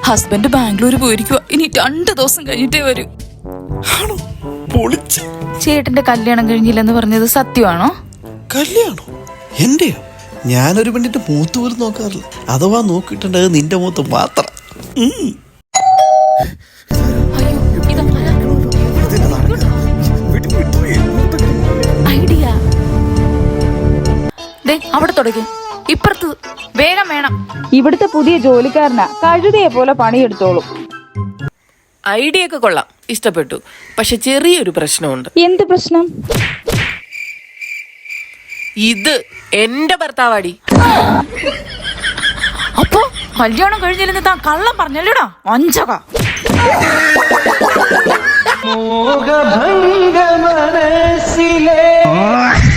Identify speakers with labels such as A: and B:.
A: Husband Bangalore പോയിരിക്കുക. ഇനി 2 ദിവസം കഴിഞ്ഞിട്ടേ വരൂ. ചേട്ടന്റെ കല്യാണം കഴിഞ്ഞില്ലെന്ന് പറഞ്ഞത് സത്യമാണോ?
B: കല്യാണോ? എന്റെയോ? ഞാനൊരു പെണ്ണിന്റെ മൂത്ത് പോലും നോക്കാറില്ല. അഥവാ നോക്കിയിട്ടുണ്ടായത് നിന്റെ മൂത്ത് മാത്രം.
A: ഐഡിയ അവിടെ തുടങ്ങി. ഇപ്പുറത്ത് വേഗം വേണം.
C: ഇവിടുത്തെ പുതിയ ജോലിക്കാരനാ, കഴുതയെ പോലെ പണിയെടുത്തോളും.
D: ഐഡിയ ഒക്കെ കൊള്ളാം, ഇഷ്ടപ്പെട്ടു. പക്ഷെ ചെറിയൊരു പ്രശ്നമുണ്ട്.
C: എന്ത് പ്രശ്നം?
D: ഇത് എന്റെ ഭർത്താവാടി.
A: അപ്പൊ കല്യാണം കഴിഞ്ഞിരുന്ന് താൻ കള്ളം പറഞ്ഞല്ലോടാ വഞ്ചക.
E: മോഹഭംഗ മനസ്സിലെ